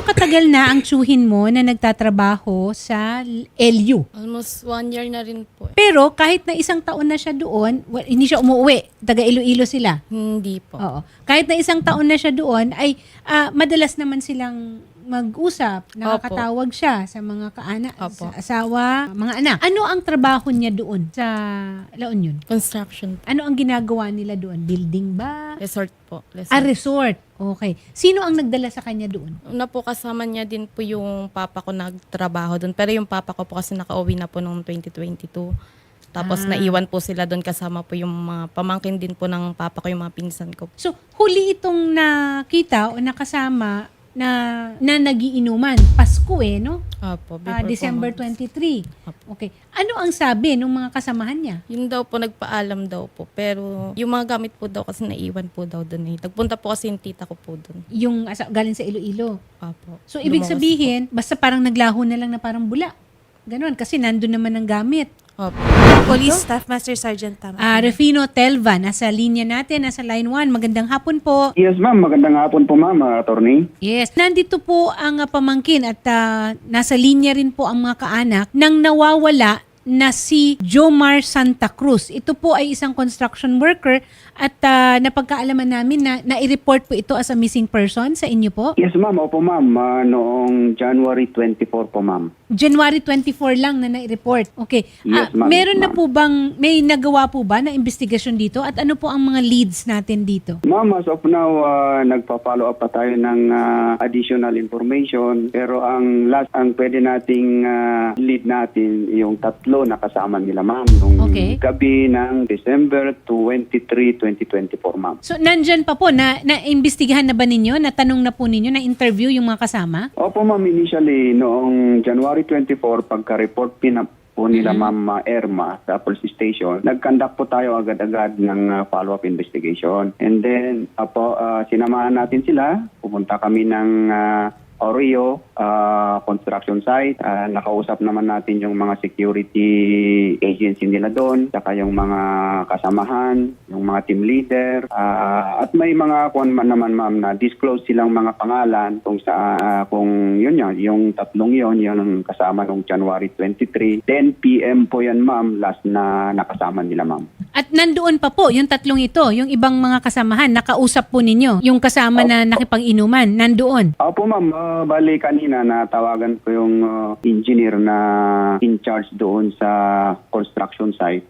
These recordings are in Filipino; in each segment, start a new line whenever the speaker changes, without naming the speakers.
katagal na ang tsuhin mo na nagtatrabaho sa LU?
Almost 1 year na rin po.
Pero kahit na isang taon na siya doon, hindi siya umuwi. Taga Iloilo sila.
Hindi po.
Oo. Kahit na isang taon na siya doon, ay madalas naman silang mag-usap. Nakakatawag siya sa mga kaanak,
Opo.
sa asawa, mga anak. Ano ang trabaho niya doon sa La Union?
Construction.
Ano ang ginagawa nila doon? Building ba?
Resort po.
Resort. Okay. Sino ang nagdala sa kanya doon?
Una po kasama niya din po yung papa ko nagtrabaho doon. Pero yung papa ko po kasi nakauwi na po noong 2022. Tapos naiwan po sila doon kasama po yung mga pamangkin din po ng papa ko, yung mga pinsan ko.
So, huli itong nakita o nakasama na nagiinuman. Pasko no?
Opo. before po
December
mag-
23.
Opo.
Okay. Ano ang sabi ng mga kasamahan niya?
Yun daw po, nagpaalam daw po. Pero yung mga gamit po daw kasi naiwan po daw doon. Nagpunta po kasi yung tita ko po doon.
Yung galing sa Iloilo.
Opo.
So, ibig
Lumawas
sabihin, basta parang naglaho na lang na parang bula. Ganon. Kasi nandun naman ang gamit.
Po. Opo.
Police Staff Master Sergeant Tama.
Refino Telva, nasa linya natin, nasa line 1. Magandang hapon po.
Yes, ma'am. Magandang hapon po, ma'am, attorney.
Yes. Nandito po ang pamangkin at nasa linya rin po ang mga kaanak nang nawawala na si Jomar Santa Cruz. Ito po ay isang construction worker at napagkaalaman namin na nai-report po ito as a missing person sa inyo po.
Yes, ma'am. Opo, ma'am. Noong January 24 po, ma'am.
January 24 lang na nai-report. Okay.
Yes, ma'am.
Meron na
Ma'am.
po bang, may nagawa po ba na investigasyon dito? At ano po ang mga leads natin dito?
Ma'am, as of now, nagpa-follow up pa tayo ng additional information. Pero ang pwede nating lead natin, yung tatlo na kasama nila, ma'am. Nung
Okay.
gabi ng December 23, 2024, ma'am.
So, nandyan pa po, na-imbestigahan na ba ninyo? Natanong na po ninyo, na-interview yung mga kasama?
Opo, ma'am. Initially, noong January 24, pagka-report po nila Ma'am Irma sa police station, nag-conduct po tayo agad-agad ng follow-up investigation. And then, sinamahan natin sila. Pupunta kami ng Oreo construction site. Nakausap naman natin yung mga security agency nila doon, saka yung mga kasamahan, yung mga team leader. At may mga naman, ma'am, na disclose silang mga pangalan kung yun yan, yung tatlong yun ang kasama nung January 23. 10 p.m. po yan, ma'am, last na nakasama nila, ma'am.
At nandoon pa po, yung tatlong ito, yung ibang mga kasamahan, nakausap po ninyo, yung kasama na nakipag-inuman, nandoon.
Opo, ma'am. Bali kanina natawagan ko yung engineer na in charge doon sa construction site.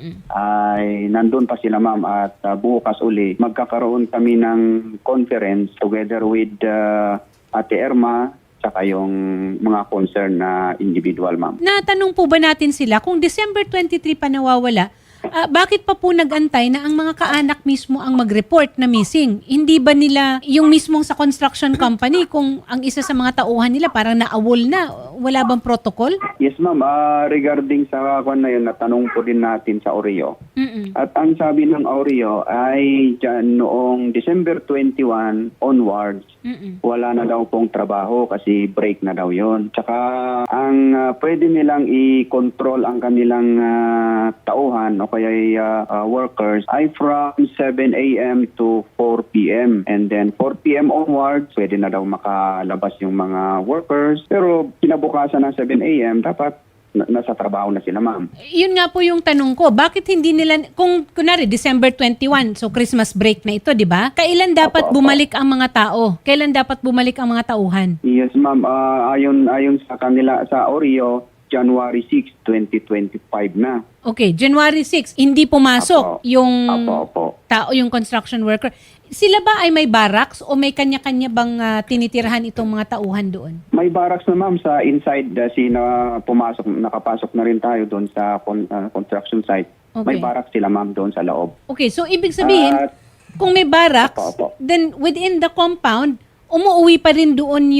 Ay nandun pa sila, ma'am, at bukas uli magkakaroon kami ng conference together with Ate Irma saka yung mga concerned na individual, ma'am.
Natanong po ba natin sila, kung December 23 pa nawawala, bakit pa po nag-antay na ang mga kaanak mismo ang mag-report na missing? Hindi ba nila yung mismong sa construction company, kung ang isa sa mga tauhan nila parang naawol na, wala bang protocol?
Yes, ma'am. Regarding sa kwan na yun, natanong po din natin sa Oreo. At ang sabi ng Oreo ay dyan noong December 21 onwards, wala na daw pong trabaho kasi break na daw yon. Tsaka ang pwede nilang i-control ang kanilang tauhan o kaya workers ay from 7 a.m. to 4 p.m. And then 4 p.m. onwards, pwede na daw makalabas yung mga workers. Pero kinabukasan ng 7 a.m. dapat nasa trabaho na sila, ma'am.
Yun nga po yung tanong ko, bakit hindi nila, kung kunwari December 21, so Christmas break na ito, di ba? Kailan dapat bumalik ang mga tao? Kailan dapat bumalik ang mga tauhan?
Yes, ma'am. Ayon sa kanila, sa Oreo, January 6, 2025 na.
Okay, January 6, hindi pumasok
Apo.
yung
Apo.
tao, yung construction worker. Sila ba ay may barracks o may kanya-kanya bang tinitirahan itong mga tauhan doon?
May barracks na, ma'am, sa inside nakapasok na rin tayo doon sa construction site.
Okay.
May barracks sila, ma'am, doon sa loob.
Okay, so ibig sabihin,
At-
kung may barracks,
Apo.
then within the compound, umuwi pa rin doon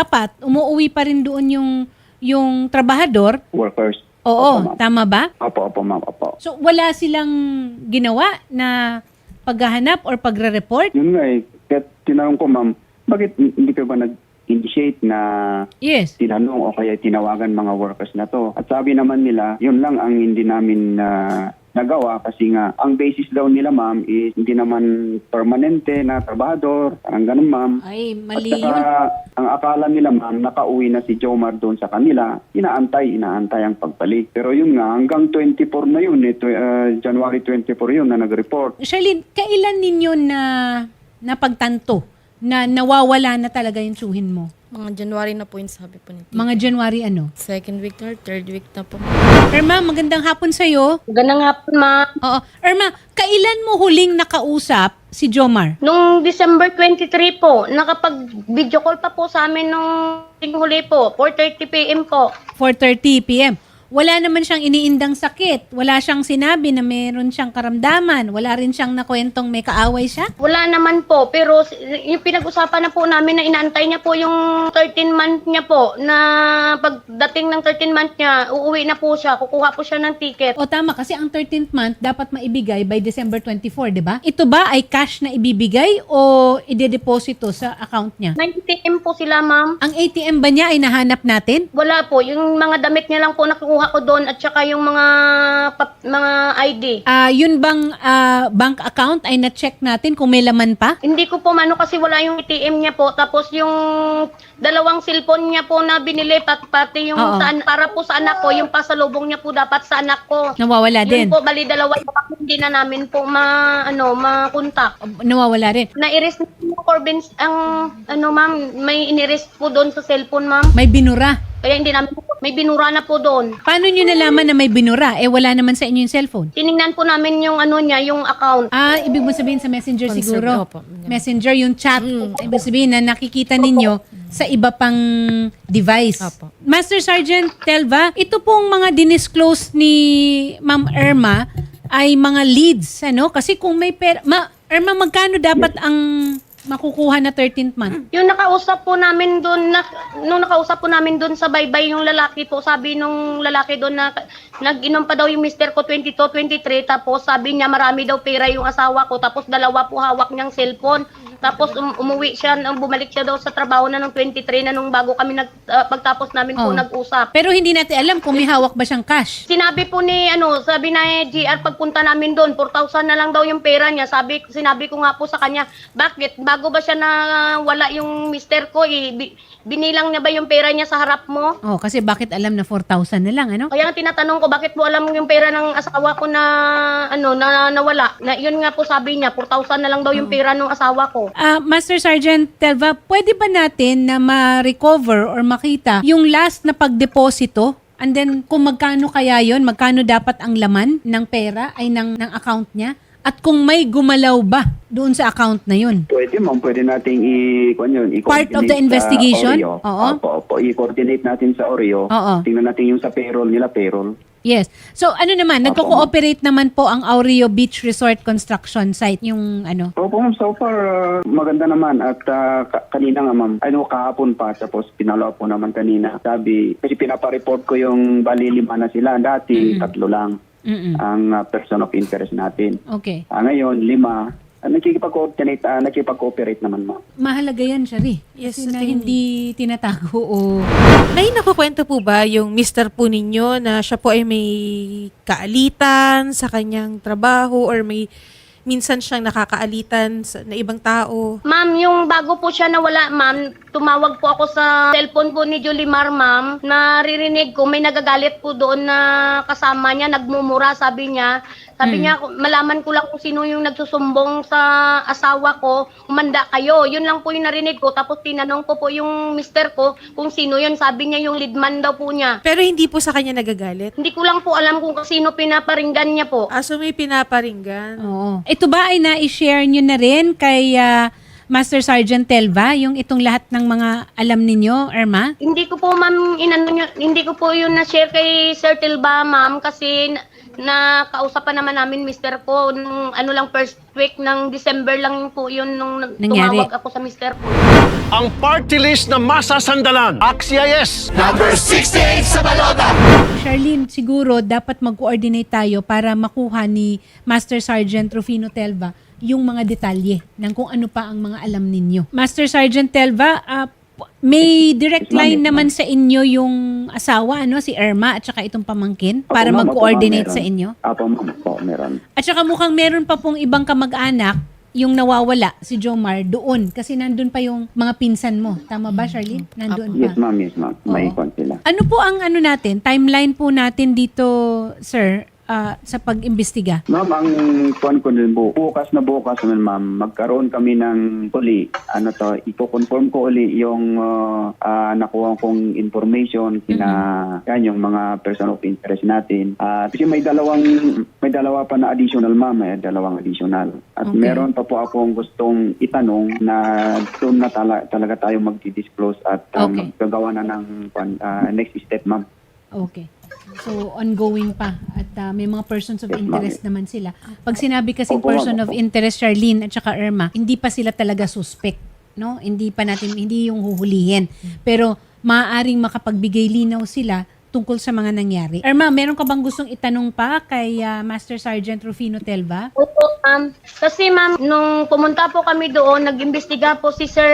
yung trabahador.
Workers.
Oo,
Opo, ma'am.
tama ba?
Opo, ma'am, opo.
So wala silang ginawa na paghahanap or pagre-report?
Yun nga eh. Kaya tinanong ko, ma'am, bakit hindi ka ba nag-initiate na
Yes.
tinanong o kaya tinawagan mga workers na to? At sabi naman nila, yun lang ang hindi namin nagawa kasi nga ang basis daw nila ma'am is hindi naman permanente na trabador, parang ganun ma'am.
Ay,
At
mali
saka,
yun.
ang akala nila ma'am, nakauwi na si Jomar doon sa kanila, inaantay ang pagbalik. Pero yun nga, hanggang 24 na yun, January 24 yun na nag-report.
Charlene, kailan ninyo na napagtanto na nawawala na talaga yung tsuhin mo?
Mga January na po yung sabi po ni Tita.
Mga January ano?
Second week or third week na po.
Irma, magandang hapon sa'yo.
Ganang hapon, ma.
Oo. Irma, kailan mo huling nakausap si Jomar?
Nung December 23 po, nakapag-video call pa po sa amin nung huli po, 4:30 p.m. po.
4:30 p.m. Wala naman siyang iniindang sakit. Wala siyang sinabi na meron siyang karamdaman. Wala rin siyang nakwentong may kaaway siya.
Wala naman po, pero yung pinag-usapan na po namin na inaantay niya po yung 13 month niya po, na pagdating ng 13 month niya, uuwi na po siya, kukuha po siya ng ticket.
O tama, kasi ang 13th month dapat maibigay by December 24, di ba? Ito ba ay cash na ibibigay o idedeposito sa account niya?
90 ATM po sila, ma'am.
Ang ATM ba niya ay nahanap natin?
Wala po, yung mga damit niya lang po nakukuha ko doon at saka yung mga ID.
Yun bang bank account ay na-check natin kung may laman pa?
Hindi ko po mano kasi wala yung ATM niya po. Tapos yung dalawang cellphone niya po na binili pati yung
Oo.
para po sa anak ko, yung pasalubong niya po dapat sa anak ko.
Nawawala din.
Yun po, bali dalawa hindi na namin po makontak.
Nawawala rin.
Na-erase na po Corbin ang ma'am, may inirest po doon sa cellphone, ma'am.
May binura.
Kaya hindi namin po, may binura na po doon.
Paano nyo nalaman na may binura? Wala naman sa inyo yung cellphone.
Tiningnan po namin yung niya, yung account.
Ibig mo sabihin sa messenger siguro.
Opo.
Messenger, yung chat. Ibig sabihin na nakikita ninyo sa iba pang device.
Opo.
Master Sergeant Telva, ito pong mga dinisclose ni Ma'am Irma ay mga leads, ano? Kasi kung may pera... Irma, magkano dapat ang makukuha na 13th month?
Yung nakausap po namin doon, nung nakausap po namin doon sa baybay yung lalaki po, sabi nung lalaki doon na nag-inom pa daw yung mister ko 22, 23, tapos sabi niya marami daw pera yung asawa ko, tapos dalawa po hawak niyang cellphone. Tapos umuwi siya, bumalik siya daw sa trabaho na nung 23 na nung bago kami pagtapos namin po nag-usap.
Pero hindi natin alam kung may hawak ba siyang cash.
Sinabi po ni sabi na GR pagpunta namin doon, 4,000 na lang daw yung pera niya. Sinabi ko nga po sa kanya, bakit bago ba siya na wala yung mister ko, binilang niya ba yung pera niya sa harap mo?
Kasi bakit alam na 4,000 na lang, ano?
Kaya nga tinatanong ko, bakit mo alam yung pera ng asawa ko na na nawala? Na yun nga po sabi niya, 4,000 na lang daw yung pera ng asawa ko.
Master Sergeant Telva, pwede ba natin na ma-recover or makita yung last na pagdeposito? And then kung magkano kaya yon, magkano dapat ang laman ng pera ay ng account niya? At kung may gumalaw ba doon sa account na yun?
Pwede ma'am, pwede nating i-coordinate
Part of the investigation?
Sa Oreo.
Oo.
Opo, i-coordinate natin sa Oreo.
Oo.
Tingnan natin yung sa payroll nila, payroll.
Yes. So ano naman, nagko-cooperate naman po ang Aureo Beach Resort Construction Site, yung ano?
Opo ma'am, so far maganda naman at kanina nga ma'am, kahapon pa, tapos pinalo po naman kanina. Sabi, kasi pinapareport ko yung bali 5 na sila, dati 3 lang ang person of interest natin.
Okay.
Ngayon 5, nakikipag-cooperate naman ma'am.
Mahalaga yan, Shari.
Yes,
Kasi na
attorney.
hindi tinatago o...
May nakukwento po ba yung mister po ninyo na siya po ay may kaalitan sa kanyang trabaho or may minsan siyang nakakaalitan na ibang tao?
Ma'am, yung bago po siya nawala, ma'am, tumawag po ako sa cellphone po ni Jolimar, ma'am. Naririnig ko, may nagagalit po doon na kasama niya, nagmumura, sabi niya. Sabi niya, malaman ko lang kung sino yung nagsusumbong sa asawa ko, umanda kayo. Yun lang po yung narinig ko. Tapos tinanong ko po yung mister ko kung sino yun. Sabi niya yung leadman daw po niya.
Pero hindi po sa kanya nagagalit?
Hindi ko lang po alam kung sino pinaparinggan niya po.
So may pinaparinggan?
Oo. Ito ba ay na-share nyo na rin kay Master Sergeant Telva, yung itong lahat ng mga alam ninyo, Irma?
Hindi ko po, ma'am, hindi ko po yun na-share kay Sir Tilba, ma'am, kasi nakausapan naman namin mister ko nung lang first week ng December lang po yun nung
Nangyari.
tumawag ako sa mister ko.
Ang party list na masasandalan. Axia yes!
Charlene, siguro dapat mag-coordinate tayo para makuha ni Master Sergeant Rufino Telva yung mga detalye ng kung ano pa ang mga alam ninyo. Master Sergeant Telva, May direct
Yes, ma'am,
line
yes,
naman
ma'am.
sa inyo yung asawa, ano, si Irma at saka itong pamangkin
Opo,
para
ma'am, opo,
mag-coordinate
ma'am,
sa
meron.
inyo?
Apo, ma'am, po, meron.
At saka mukhang meron pa pong ibang kamag-anak yung nawawala si Jomar doon kasi nandun pa yung mga pinsan mo. Tama ba, Charlene? Nandun pa.
Yes, ma'am, yes, ma'am. May
Oo.
kon sila.
Ano po ang ano natin, timeline po natin dito, sir, sa pag-imbestiga?
Ma'am, ang kuan ko din bukas naman, ma'am, magkaroon kami ng uli, ipo-confirm ko uli yung nakuha kong information yan, yung mga person of interest natin. Kasi may dalawa pa na additional, ma'am, dalawang additional. At
Okay.
meron pa po akong gustong itanong na doon na talaga tayo magdi-disclose at
Okay.
gagawa na ng next step, ma'am.
Okay. So, ongoing pa. At may mga persons of
Yes, ma'am.
interest naman sila. Pag sinabi kasi
Opo,
person
ma'am,
of
opo.
interest, Charlene at saka Irma, hindi pa sila talaga suspect. No? Hindi yung huhulihin. Pero, maaaring makapagbigay linaw sila tungkol sa mga nangyari. Irma, meron ka bang gustong itanong pa kay Master Sergeant Rufino Telva?
Opo, ma'am. Kasi ma'am, nung pumunta po kami doon, nag-imbestiga po si Sir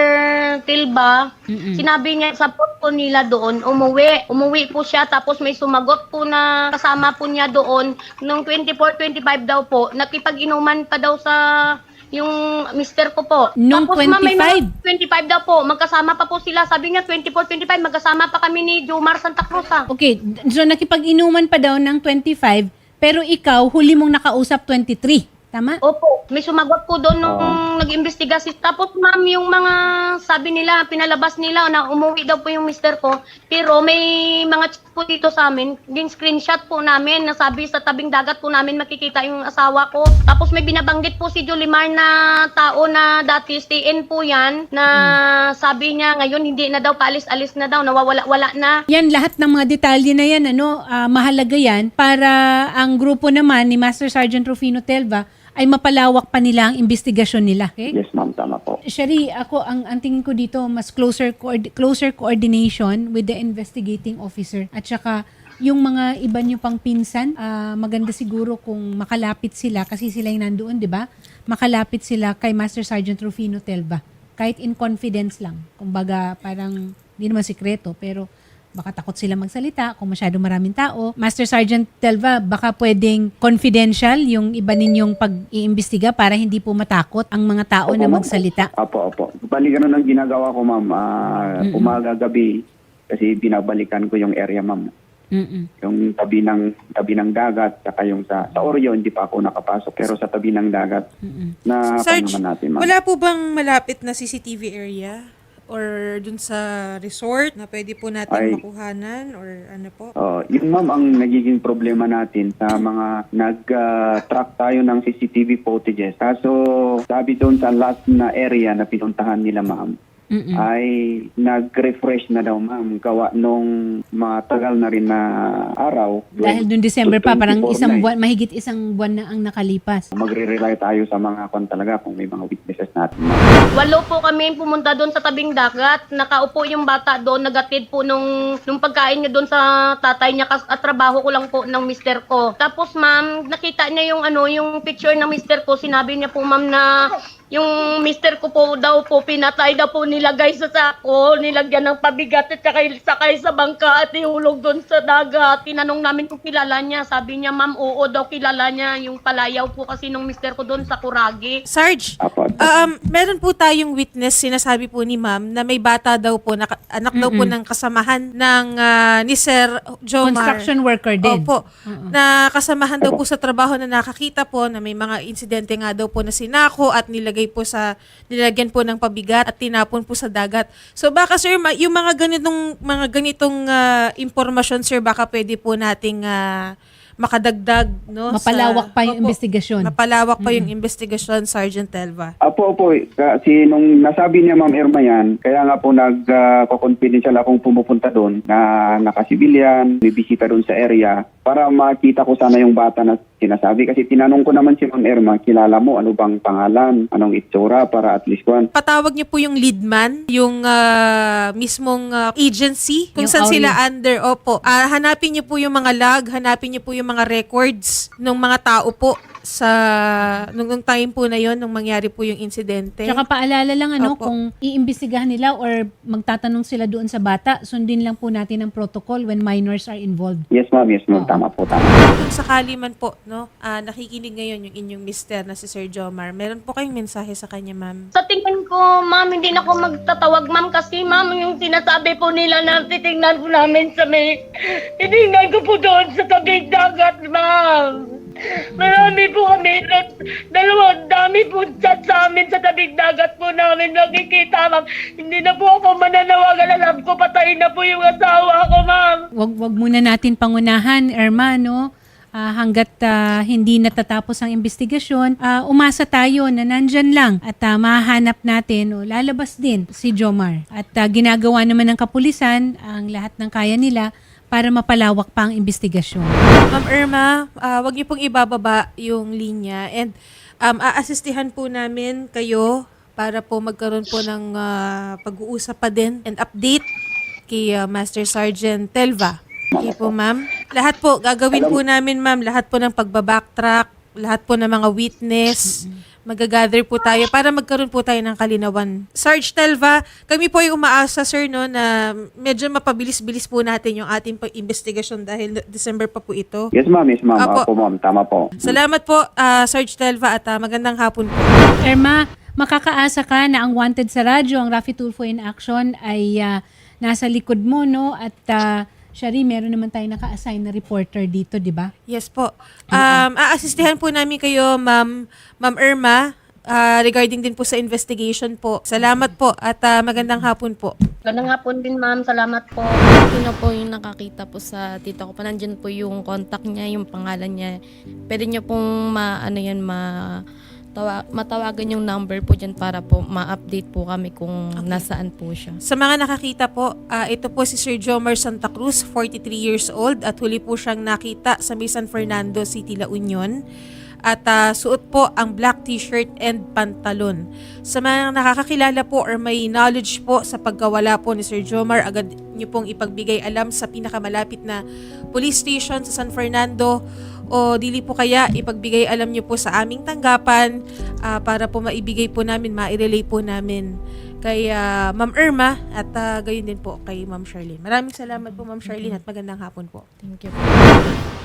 Tilba. Sinabi niya sa post po nila doon, umuwi. Umuwi po siya, tapos may sumagot po na kasama po niya doon. Nung 24-25 daw po, nakipag-inuman pa daw sa yung mister ko po.
Nung
Tapos ma'am, may
25?
mga 25 daw po, magkasama pa po sila. Sabi niya 24-25, magkasama pa kami ni Jomar Santa Cruz ha.
Okay, so nakipag-inuman pa daw ng 25, pero ikaw, huli mong nakausap 23. Tama?
Opo, may sumagot po doon nung nag-imbestiga si. Tapos ma'am, yung mga sabi nila, pinalabas nila na umuwi daw po yung mister ko. Pero may mga chat po dito sa amin, din screenshot po namin na sabi sa tabing dagat po namin makikita yung asawa ko. Tapos may binabanggit po si Jolimar na tao na dati stay-in po yan, na sabi niya ngayon hindi na daw, paalis-alis na daw, nawawala-wala na.
Yan, lahat ng mga detalye na yan, mahalaga yan para ang grupo naman ni Master Sergeant Rufino Telva ay mapalawak pa nila ang investigasyon nila. Okay?
Yes, ma'am, tama po.
Shari, ako, ang tingin ko dito, mas closer coordination with the investigating officer. At saka, yung mga iba nyo pang pinsan, maganda siguro kung makalapit sila, kasi sila yung nandoon, di ba? Makalapit sila kay Master Sergeant Rufino Telva. Kahit in confidence lang. Kumbaga, parang, hindi naman sikreto, pero baka takot sila magsalita kung masyado maraming tao. Master Sergeant Telva, baka pwedeng confidential yung iba ninyong pag-iimbestiga para hindi po matakot ang mga tao
Opo,
na
ma'am.
magsalita.
Opo. Bali, ganun ang ginagawa ko, ma'am. Umaga, gabi, kasi binabalikan ko yung area, ma'am.
Mm-mm.
Yung tabi ng dagat, saka yung sa Oreo, hindi pa ako nakapasok. Pero sa tabi ng dagat, na
Sarge,
naman natin, ma'am.
wala po bang malapit na CCTV area? Or dun sa resort na pwede po natin
Ay.
makuhanan? Or ano po?
Yung ma'am, ang nagiging problema natin sa mga nag-track tayo ng CCTV footages. Kaso sabi doon sa last na area na pinuntahan nila, ma'am, ay nag-refresh na daw, ma'am. Gawa nung matagal na rin na araw.
Dahil dun December pa, parang
24
isang
na eh.
buwan, mahigit isang buwan na ang nakalipas.
Magre-rely tayo sa mga talaga kung may mga witnesses natin.
8 po kami pumunta doon sa tabing dagat. Nakaupo yung bata doon, nagatid po nung pagkain niya doon sa tatay niya, at trabaho ko lang po ng mister ko. Tapos ma'am, nakita niya yung picture ng mister ko. Sinabi niya po ma'am na yung mister ko po daw po, pinatay daw po, nilagay sa sako, nilagyan ng pabigat at sakay sa bangka at ihulog doon sa dagat. Tinanong namin kung kilala niya. Sabi niya, ma'am, oo daw kilala niya. Yung palayaw po kasi nung mister ko doon sa Kuragi.
Sarge,
Apo.
meron po tayong witness, sinasabi po ni ma'am, na may bata daw po, anak daw po ng kasamahan ng ni Sir Jomar.
Construction worker din.
Opo. Na kasamahan daw po sa trabaho na nakakita po na may mga insidente nga daw po na sinako at nilagyan po ng pabigat at tinapon po sa dagat. So baka sir, yung mga ganitong impormasyon sir, baka pwede po nating makadagdag, no?
Mapalawak pa yung investigasyon.
Mapalawak pa yung investigasyon, Sergeant Telva.
Opo. Kasi nung nasabi niya, Ma'am Irma yan, kaya nga po nag-confidential akong pumupunta doon na nakasibilyan, may bisita doon sa area para makita ko sana yung bata na sinasabi. Kasi tinanong ko naman si Ma'am Irma, kilala mo, ano bang pangalan, anong itsura para at least kuhan.
Patawag niyo po yung lead man, yung mismong agency kung
Yung
saan
Auri.
sila under. Opo. Hanapin niyo po yung mga log, hanapin niyo po yung mga records ng mga tao po sa nung time po na yon nung mangyari po yung insidente.
Tsaka paalala lang
Opo.
kung iimbestigahan nila or magtatanong sila doon sa bata, sundin lang po natin ang protocol when minors are involved.
Yes, ma'am. Yes, ma'am.
Oo.
Tama po, tama.
Kung sakali man po, no, nakikinig ngayon yung inyong mister na si Sir Jomar, meron po kayong mensahe sa kanya, ma'am?
Sa tingin ko, ma'am, hindi na ako magtatawag, ma'am, kasi ma'am, yung sinasabi po nila na titingnan po namin sa may, titingnan ko po doon sa tabing dagat, ma'am. Marami po kami, dami po chat sa amin sa tabing dagat po namin nakikita, ma'am. Hindi na po ako mananawagan, alam ko patayin na po yung asawa ko, ma'am.
Wag muna natin pangunahan, Irma, no? Hanggat hindi natatapos ang investigasyon, umasa tayo na nandyan lang at mahanap natin o lalabas din si Jomar. At ginagawa naman ng kapulisan ang lahat ng kaya nila para mapalawak pa ang investigasyon.
Ma'am Irma, wag niyo pong ibababa yung linya and aasistihan po namin kayo para po magkaroon po ng pag-uusap pa din and update kay Master Sergeant Telva. Okay po, ma'am. Lahat po, gagawin po namin, ma'am, lahat po ng pagbabacktrack, lahat po ng mga witness, magagather po tayo para magkaroon po tayo ng kalinawan. Sarge Telva, kami po ay umaasa, sir, no, na medyo mapabilis-bilis po natin yung ating investigasyon dahil December pa po ito.
Yes, ma'am. Yes, ma'am.
Apo.
Opo, ma'am. Tama po.
Salamat po, Sarge Telva, at magandang hapon po.
Irma, makakaasa ka na ang wanted sa radyo, ang Raffy Tulfo in Action ay nasa likod mo, no? At Shari, meron naman tayo naka-assign na reporter dito, di ba?
Yes po. Aasistihan po namin kayo, Ma'am Irma, regarding din po sa investigation po. Salamat po at magandang hapon po.
Ganang hapon din, ma'am. Salamat po.
Sino po yung nakakita po sa tita ko pa, nandyan po yung contact niya, yung pangalan niya. Pwede niyo pong matawagan yung number po dyan para po ma-update po kami kung nasaan po siya.
Sa mga nakakita po, ito po si Sir Jomar Santa Cruz, 43 years old, at huli po siyang nakita sa may San Fernando City, La Union. At suot po ang black t-shirt and pantalon. Sa mga nakakakilala po or may knowledge po sa pagkawala po ni Sir Jomar, agad niyo pong ipagbigay alam sa pinakamalapit na police station sa San Fernando o dili po kaya ipagbigay alam niyo po sa aming tanggapan para po maibigay po namin, mairelay po namin kay Ma'am Irma at gayon din po kay Ma'am Charlene. Maraming salamat po, Ma'am Charlene, at magandang hapon po.
Thank you.